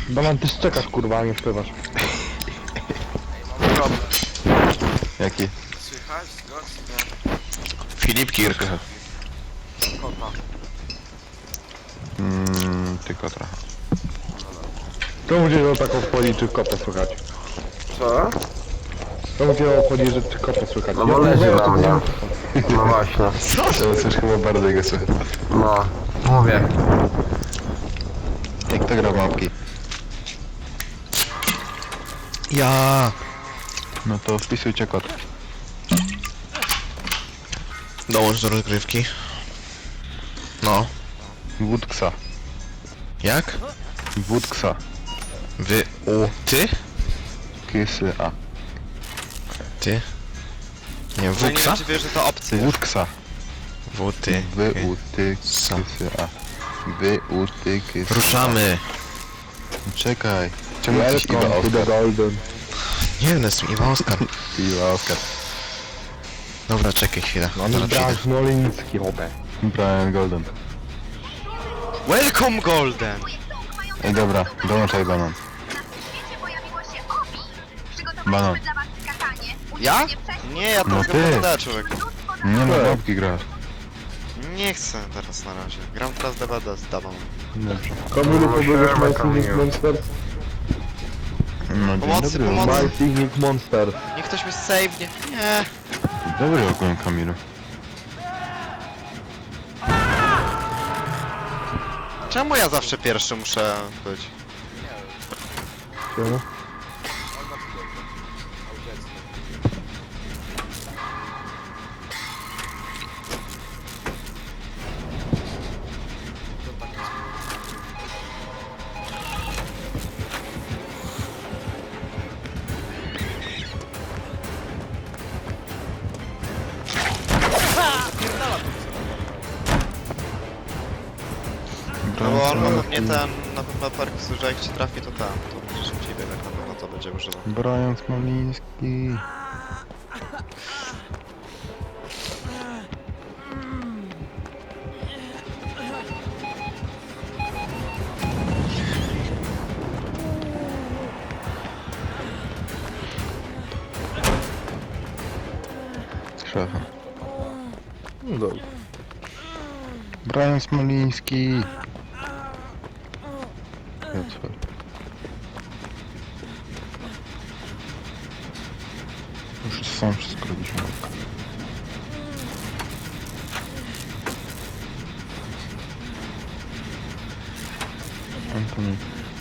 Banan, ty szczekasz kurwa, a nie śpiewasz. Problem. Jaki? Słychać go, czy nie? Filip Kirk. Kota. Tylko trochę. To mnie o tak obchodzi, czy kota słychać. Co? To mnie obchodzi, że czy kota słychać. No bo leży na mnie. No właśnie. To coś chyba bardzo jego słychać. No. Mówię. Jak to gra w mapki? Ja. No to wpisujcie kod. Dołącz do rozgrywki. No. Wódksa. Jak? Wódksa. Ty? Kysy A. Ty? Nie, No nie Wuksa? wiem, czy wiesz, że to opcja. Wódksa. Ty. Wy-u-ty Sa. kysy A. Wy-u-ty kysy. Ruszamy. Czekaj. Czemu jesteś Iwa Welcome to the Oskar? golden. Nie wiem, jestem Iwa Oskar. Iwa Oskar. Dobra, czekaj chwilę. On Zaraz Bram przyjdę. Smoliński, chłopie. Brian Golden. Welcome Golden! Ej dobra, dołączaj banan. Banan. Ja? Nie, ja to No mogę ty. podać, człowiek. Nie na mapki grasz. Nie chcę teraz na razie. Gram teraz DBD z Dabą. Dobrze. Kamilu, pobiegasz siema, My Signic Kamilu. Monsters? No dzień Pomocy, dobry. pomocy. My Signic Monsters. Niech ktoś mi save, nie. Dobry ogólnie Kamilu. Czemu ja zawsze pierwszy muszę być? Czemu? No bo on ma pewnie ten, na pewno perk, że jak ci trafi to tam, to będzie szybciej biegać, na pewno to będzie używał. Brian Smoliński. Szefa. No dobrze. Brian Smoliński. Już sam wszystko robiliśmy. Antoni.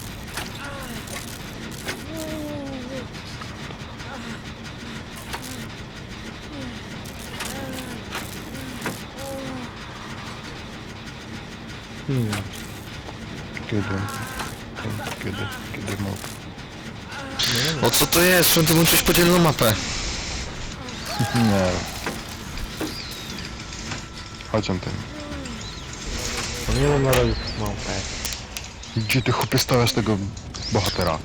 Kiedy mógł. O co to jest? Czemu ty włączyłeś podzielną mapę? Nie. Chodź on ten. Nie mam na razie małpę. Gdzie ty chłopie stawiasz tego bohatera?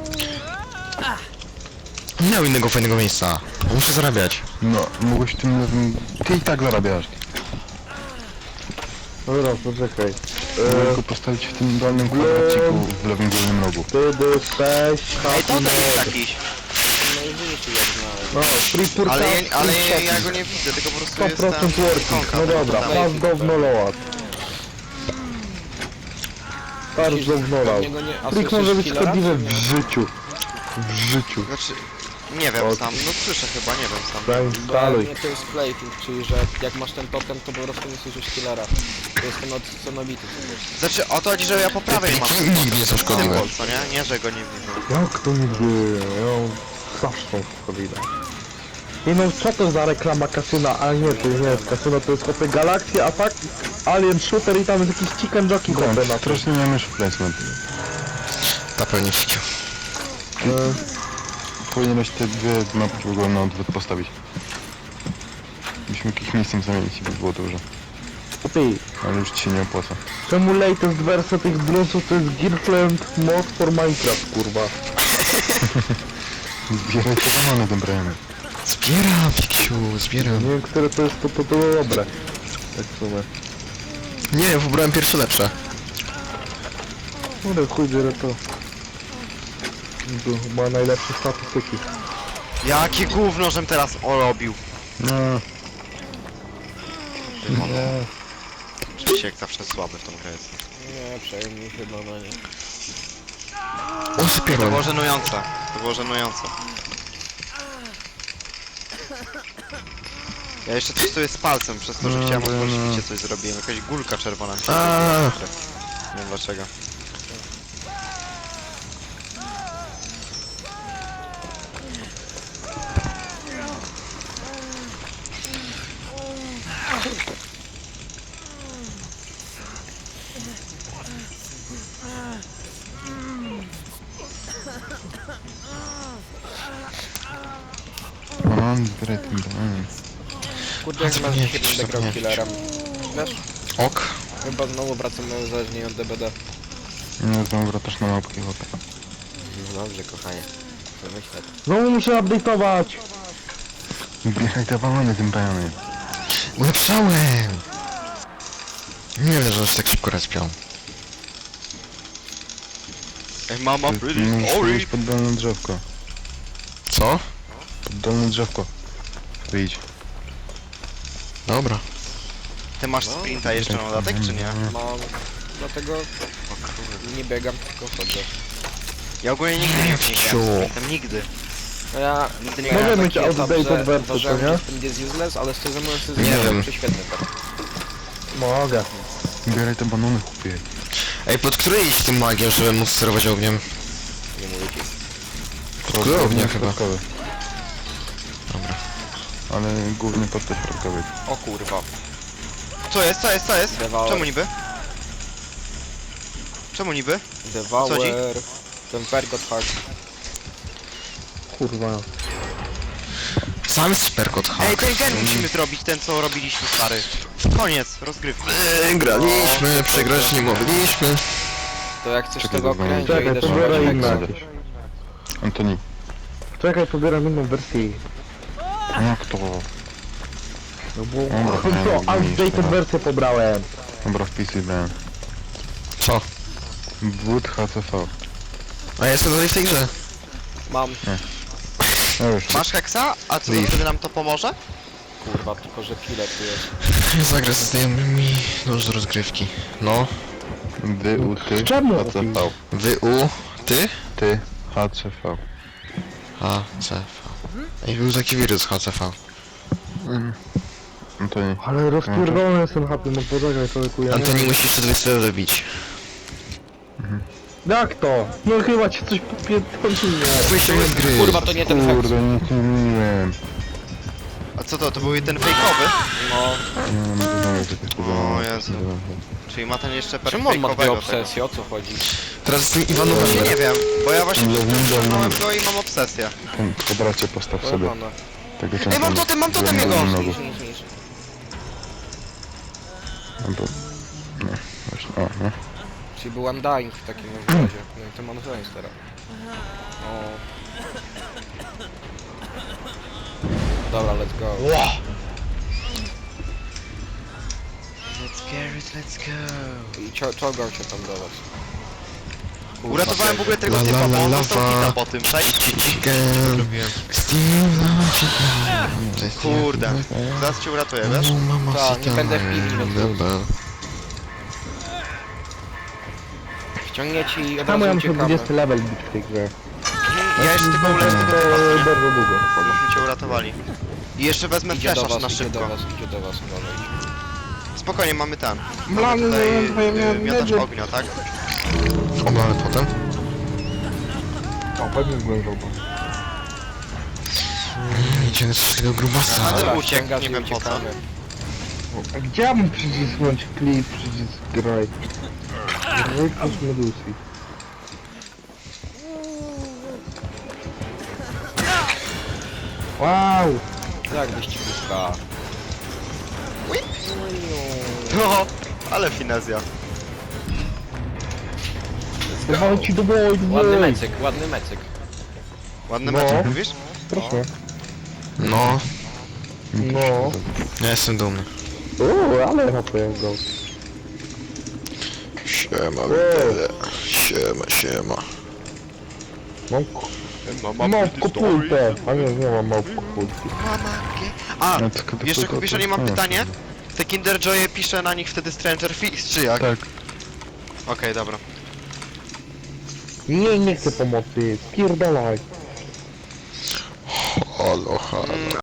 Nie miał innego fajnego miejsca. Muszę zarabiać. No, mogłeś w tym lewym... Ty i tak zarabiasz. Dobra, poczekaj. Mogę go postawić w tym dolnym kwadraciku w lewym górnym rogu. Wtedy 6, Ej, to happy jest mode. jakiś. No, free purchase, Ale free ja shopping. go nie widzę, tylko po prostu jest 100% ten... working, no dobra, fast go w noloat. Start go w noloat. Trik może być szkodliwy w życiu. W życiu. Znaczy, nie wiem sam, no słyszę chyba, nie wiem sam. Zainstaluj. Nie, to jest plating, czyli że jak masz ten token, to po prostu nie słyszysz killera. To jest ten odcenowity. Znaczy, o to chodzi, że ja po prawej mam Nigdy nie są szkodliwe. symbol, co nie? Nie, że go nie widzę. Jak to nigdy? Ja zawsze to widać. Nie no, co to za reklama kasyna? A nie, to nie jest kasyno, to jest chłopie Galaxia, a fakt Alien Shooter i tam jest jakiś chicken jockey chłopie na Grant, strasznie miałem już placement. Ta pewnie widział. Powinieneś te dwie mapki w ogóle na odwrót postawić. Byśmy jakimś miejscem zamienić i by było dobrze. Ty, Ale już ci się nie opłaca. czemu latest wersja tych bluesów to jest Gearland mod for Minecraft, kurwa? Zbieraj te banany tym Brianem. Zbieram, Fiksiu, zbieram. Nie wiem, które to jest, to dobre. Tak w sumie. Nie, wybrałem pierwsze lepsze. Kurde, chuj, biorę to. Ma najlepsze statystyki. Jakie gówno, żem teraz orobił. No, Nie. Rzeczywiście jak zawsze słaby w tą grę jest. Nie, przejmij chyba na nie. O, To spierdol. było żenujące. To było żenujące. Ja jeszcze testuję z palcem, przez to, że chciałem otworzyć picie coś zrobiłem. Jakaś gulka czerwona. A. Nie wiem dlaczego. banan, zbieraj ten banan. Kurde, jak masz Nie, dzisiaj widzisz, będę grał nie. killerem. Wiesz? Ok. Chyba znowu wracamy uzależnienie od DBD. Nie, znowu wracasz na małpki, chłopie. No dobrze, kochanie. Wymyślę. Znowu muszę update'ować. Zbieraj te banany tym bajanem. Ulepszałem! Nie wiem, że aż tak szybko respią. Ej, mama, pretty Musisz sorry. iść pod dolne drzewko. Co? Pod dolne drzewko. Tu idź. Dobra. Ty masz sprinta jeszcze na dodatek, czy nie? Mam... Dlatego nie biegam, tylko chodzę. Ja ogólnie nigdy nie Ciu. grałem sprintem, nigdy. No ja... Nigdy nie Może grałem. być taki etap, outdated że wersja, uważałem, co nie? że sprint jest useless, ale szczerze mówiąc to Nie jest wiem. prześwietny teraz. Mogę. Zbieraj te banany, chłopie. Ej, pod który iść tym magiem, żeby móc sterować ogniem? Nie mówię ci. Pod który ognia chyba? Środkowy. Dobra. Ale głównie pod te środkowy. O kurwa. Co jest, co jest, co jest? Devour. Czemu niby? Czemu niby? Devour... Ten Pergot Heart. Kurwa. Sam jest perkot Ej, hack. ten gen musimy zrobić, ten co robiliśmy, stary. Koniec, rozgrywki. Graliśmy, przegrać nie mogliśmy. To jak chcesz Czekaj, tego dobra. okręcić, Czekaj, idę to szukać biorę heksa. inne. Antoni. Czekaj, pobieram inną wersję. Jak to? No bo... Dobra, No, nie, outdated nie, wersję pobrałem. Dobra, wpisuj brałem. Co? Wód HCV. A ja jestem dalej w tej grze. Mam. No już. Masz heksa? A co, Leave. wtedy nam to pomoże? Kurwa, tylko że killer tu jest. Zagrę ze znajomymi do rozgrywki. No. Dy, u, ty, Czemu? HCV. Wy, u, ty? Ty, HCV. HCV. Ej, był taki wirus HCV. Antoni. Ale rozpierdolony jestem happy, no poczekaj człowieku, ja nie Antoni wiem. musi jeszcze 200 dobić. Jak to? No chyba ci coś popierdoliło. Wyjście z gry. Kurwa, to nie ten heks. Kurde, nic nie mówiłem. A co to był ten fejkowy? No. Nie mam żadnego takiego. O Jezu. Czyli ma ten jeszcze Czemu on ma dwie fejkowego tego. obsesje? O co chodzi? Teraz z tym Iwanem Właśnie nie wiem, bo ja właśnie Nie wiem, przeczytałem że- go i mam obsesję. Ten w kwadracie postaw sobie. Pojebane. Tego Ej, mam totem jego! Niż. No bo... No, właśnie, o, no. Czyli był Undying w takim razie. No i to mam sens teraz. O. Dobra, let's go. Let's get it, let's go. I czołgał się tam do was. Uratowałem w ogóle tego La, typa, la, bo on la, dostał la. hita po tym, tak? Chicken. Kurde, zaraz cię uratuję, wiesz? Tak, nie będę w piwni, więc ściągnie ci i od Czemu ja razu muszę uciekamy. 20 level bić w tej grze? Ja jeszcze tylko uleczę tego typa, To co nie? bardzo długo. Myśmy cię uratowali. I jeszcze wezmę Idzie do flasha was, na idzie do szybko. was, idzie do was, uważaj. Spokojnie, mamy ten. Blany, Mamy tutaj miałem miotacz nadzieję. ognia, tak? Oblany potem. O, pewnie zglądał. Idziemy z tego grubasa. A ten Dobra, uciekł, ściągasz nie i wiem po co. uciekamy. A gdzie ja mam przycisnąć klip, przycisk graj? Wypuść Medusi. Wow! Jak wyścigówka. No, ale finezja. Dawał ci do boju, Ładny mecyk, ładny mecyk. Ładny No. mecz, mówisz? Proszę. No, No. ja jestem dumny. Ale hopę go. Siema, bebe. Siema, siema. Mam kupulkę, a nie mam kupulki. A, No, tylko jeszcze tylko- Kubiszoni mam no, pytanie. Te Kinder Joye pisze na nich wtedy Stranger Things, czy jak? Tak. Okej, dobra. Nie chcę pomocy, spierdalaj. Halo, halo.